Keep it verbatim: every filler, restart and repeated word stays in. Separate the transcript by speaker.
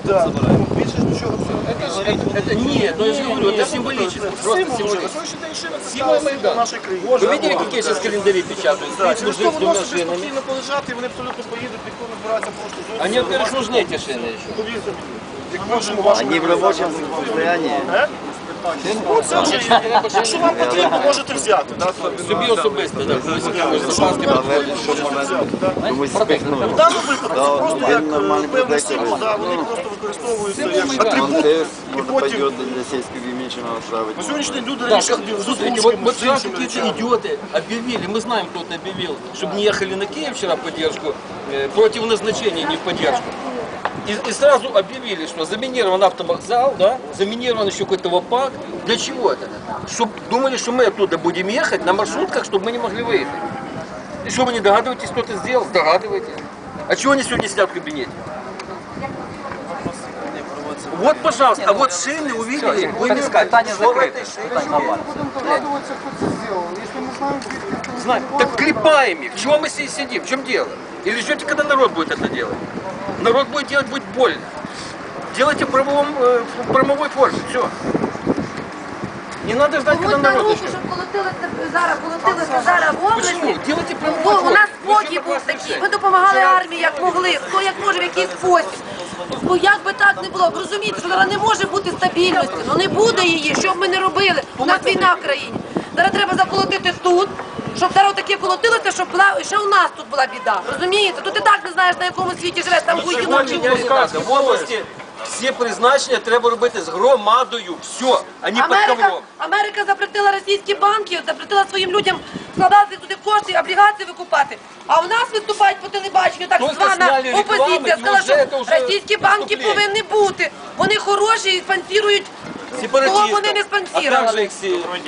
Speaker 1: Да.
Speaker 2: Більше ж нічого абсолютно.
Speaker 3: Это нет, но я же говорю, это символически. Просто
Speaker 1: Символ вже. На
Speaker 3: символически.
Speaker 1: сьогоднішній день шина це
Speaker 3: Символ
Speaker 1: стала символ
Speaker 3: Майдану.
Speaker 1: нашої країни.
Speaker 3: Вы видели, какие сейчас календари печатают?
Speaker 1: Да,
Speaker 3: Стоит
Speaker 1: через
Speaker 3: мужик
Speaker 1: то
Speaker 3: с
Speaker 1: воно
Speaker 3: двумя
Speaker 1: собі
Speaker 3: шинами.
Speaker 1: спокійно полежати, і вони абсолютно поїдуть, ніхто не збирається просто зовсім.
Speaker 3: Они, во-первых, нужны эти шины еще.
Speaker 1: Повірте мені. Як можемо вашому...
Speaker 4: Они в рабочем состоянии.
Speaker 1: Е? Ну, це вже, якщо вам потрібно, можете взяти. Да?
Speaker 3: Собі особисто, так.
Speaker 4: Але що можна комусь спихнути.
Speaker 1: В даному випадку це просто
Speaker 4: він
Speaker 1: як
Speaker 4: нормальний
Speaker 1: е, певний
Speaker 4: протектор.
Speaker 1: символ, да, вони просто використовуються як
Speaker 3: Майдану.
Speaker 4: Он
Speaker 1: атрибут.
Speaker 4: теж
Speaker 1: І
Speaker 4: може
Speaker 1: потім,
Speaker 4: пойдет для сельского меченого отправить.
Speaker 1: на сьогоднішній день люди
Speaker 3: Так,
Speaker 1: раніше ходили з
Speaker 3: слушайте, вот,
Speaker 1: озвучками,
Speaker 3: вот
Speaker 1: з
Speaker 3: вчера
Speaker 1: іншими
Speaker 3: какие-то
Speaker 1: речами.
Speaker 3: идиоты объявили, мы знаем, кто это объявил, чтобы не ехали на Киев вчера в поддержку, э, против назначения, не в поддержку. И, и сразу объявили, что заминирован автовокзал, да, заминирован еще какой-то ВАПАК. Для чего это? Чтоб думали, что мы оттуда будем ехать на маршрутках, чтобы мы не могли выехать. И что вы не догадываетесь, кто это сделал? Догадываетесь. А чего они сегодня сидят в кабинете? Вот, пожалуйста, а вот шины увидели, вы не
Speaker 5: Питання
Speaker 3: что в
Speaker 5: закрите.
Speaker 3: этой шине?
Speaker 5: Питання нормально.
Speaker 3: Знаем. Так клепаем их. Чего мы здесь сидим? В чем дело? Или ждете, когда народ будет это делать? Народ будет делать, будет больно. Делайте в правовом, э, в правовой форме. Все. Не надо ждать, когда
Speaker 6: Комусь на
Speaker 3: народ
Speaker 6: руку,
Speaker 3: начнет.
Speaker 6: щоб колотилися зараз, колотилися зараз в області.
Speaker 3: Почему? Делайте в правовой
Speaker 6: Бо
Speaker 3: форме.
Speaker 6: у нас
Speaker 3: Вы
Speaker 6: спокій
Speaker 3: что,
Speaker 6: був
Speaker 3: классный
Speaker 6: такий.
Speaker 3: шеф?
Speaker 6: Ми допомагали армії, як могли, хто як може, в який спосіб. Бо як би так не було, ви розумієте, що зараз не може бути стабільності, ну не буде її, що б ми не робили. У нас війна в країні. Зараз треба заколотити тут, щоб зараз таке колотилося, щоб була, ще у нас тут була біда. Розумієте? Тут ти так не знаєш, на якому світі живеш, там
Speaker 3: Чого
Speaker 6: воюють.
Speaker 3: міняти надо? В області всі призначення треба робити з громадою. Все, а не під
Speaker 6: Америка,
Speaker 3: ковром.
Speaker 6: Америка запретила російські банки, запретила своїм людям складати туди кошти, облігації викупати. А у нас виступають по телебаченню так
Speaker 3: Тільки
Speaker 6: звана
Speaker 3: зняли рекламу,
Speaker 6: опозиція.
Speaker 3: і
Speaker 6: Сказала,
Speaker 3: вже це
Speaker 6: що
Speaker 3: вже
Speaker 6: російські банки
Speaker 3: виступлення.
Speaker 6: повинні бути. Вони хороші і спонсорують того,
Speaker 3: Сепаратистов.
Speaker 6: вони не
Speaker 3: А
Speaker 6: спонсорували.
Speaker 3: также их все